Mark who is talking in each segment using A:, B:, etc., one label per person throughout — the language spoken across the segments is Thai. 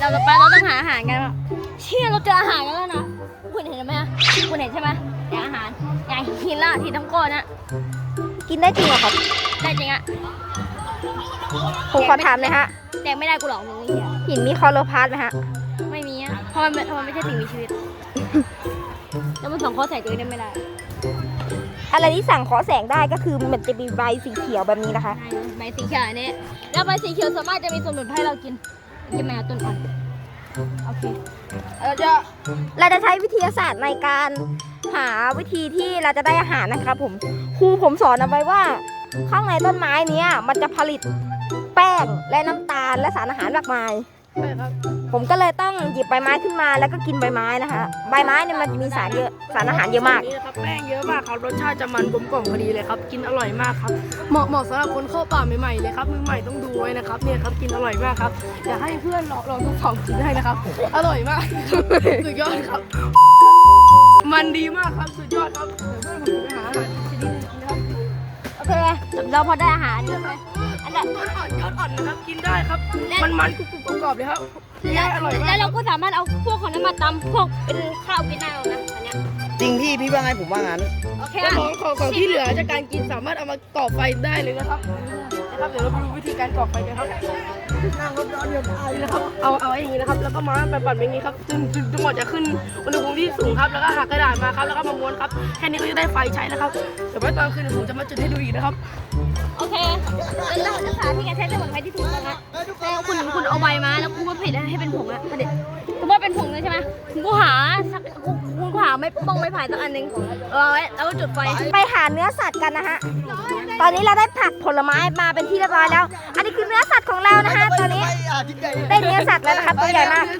A: เราต้องหาอาหารกันเชี่ยเราเจออาหารกันแล้วนะคุณเห็นไหมคุณเห็นใช่ไหมอย่างอาหารอย่างหินละหินทั้งก้อนนะ
B: กินได้จริงเหรอครับ
A: ได้จริงอะ
B: ผมขอถามเลยฮะ
A: แดงไม่ได้กูหรอกมึง
B: หินมีคลอโรพลาสต์ไหมฮะ
A: ไม่มีอะเพราะมันไม่ใช่สิ่งมีชีวิตแล้วมันส่องข้อใส่ตัวเองได้ไม่ได้
B: อะไรที่สั่งขอแสงได้ก็คือมันจะมีใบสีเขียวแบบนี้นะคะ
A: ใบสีเขียวนี่แล้วใบสีเขียวสามารถจะมีสมุนไพรให้เรากินแมวต้นอ่อนโอเคเรา
B: จะใช้วิทยาศาสตร์ในการหาวิธีที่เราจะได้อาหารนะครับผมครูผมสอนเอาไว้ว่าข้างในต้นไม้นี้มันจะผลิตแป้งและน้ำตาลและสารอาหารมากมายผมก็เลยต้องหยิบใบไม้ขึ้นมาแล้วก็กินใบไม้นะคะใบไม้เนี่ยมันจะมีสารเยอะสารอาหารเยอะมาก
C: นี่นะครับแป้งเยอะมากครับรสชาติจะมันกลมกล่อมพอดีเลยครับกินอร่อยมากครับเหมาะสำหรับคนเข้าป่าใหม่ๆเลยครับมือใหม่ต้องดูไว้นะครับเนี่ยครับกินอร่อยมากครับอยากให้เพื่อนลองทดสอบกินได้นะครับอร่อยมากสุดยอดครับมันดีมากครับสุดยอดครับเดี๋ยวเพื่อนผมจะไปหาอาหารชนิดนึงนะครับ
A: โอเคเราพอได้อาหารใช่ไหมอันนั้น
C: ยอดอ่อนนะครับกินได้ครับมันกรุบๆกรอบๆเลยครับอร่อยมาก
A: แล้วเราก็สามารถเอาพวกของนั้นมาตำพวกเป็นข้าวกินได้นะอันเนี้ย
D: จริงพี่ว่าไงผมว่างั้น
A: โอเค
C: ของที่เหลือจากการกินสามารถเอามาก่อไฟได้เลยนะครับเดี๋ยวเราไปดูวิธีการก่อไฟกันครับนั่งรถร้อนเดือดไอนะครับเอาอย่างนี้นะครับแล้วก็มาปั่นอย่างนี้ครับจนหมดจะขึ้นอุณหภูมิที่สูงครับแล้วก็หักกระดาษมาครับแล้วก็มาม้วนครับแค่นี้ก็จะได้ไฟใช้แล้วครับเดี๋ยวไว้ตอนคืนผมจะมาจุดให้ดูอีกนะครับ
A: โอเคเราจะสาที่จะใช้สมุนไพรที่ถูกต้องนะแล้วคุณเอาใบมาแล้วคุณก็เผ็ดให้เป็นผงอะประเด็นคุณว่าเป็นผงเลยใช่ไหมคุณหาไม่ป้องไม่ผ่ายสักอันหนึ่งไว้แล้วก็จุดไฟ
B: ไปหาเนื้อสัตว์กันนะฮะตอนนี้เราได้ผักผลไม้มาเป็นที่เรียบร้อยแล้วอันนี้คือเนื้อสัตว์ของเรานะฮะตอนนี้ได้เนื้อสัตว์แล้วนะครับตัวใหญ่มาก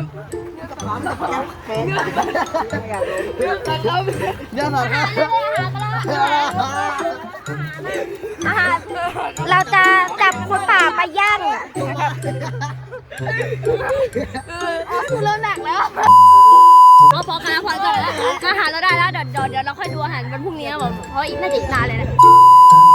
B: เราจะจับคนป่าไปย่างนะครับ
A: คุณเริ่มหนักแล้วพอกันแล้วพอก่อนแล้วอาหารเราได้แล้วเดี๋ยวเราค่อยดูอาหารวันพรุ่งนี้นะผมเพราะอีกน่าจะอีกนานเลยนะ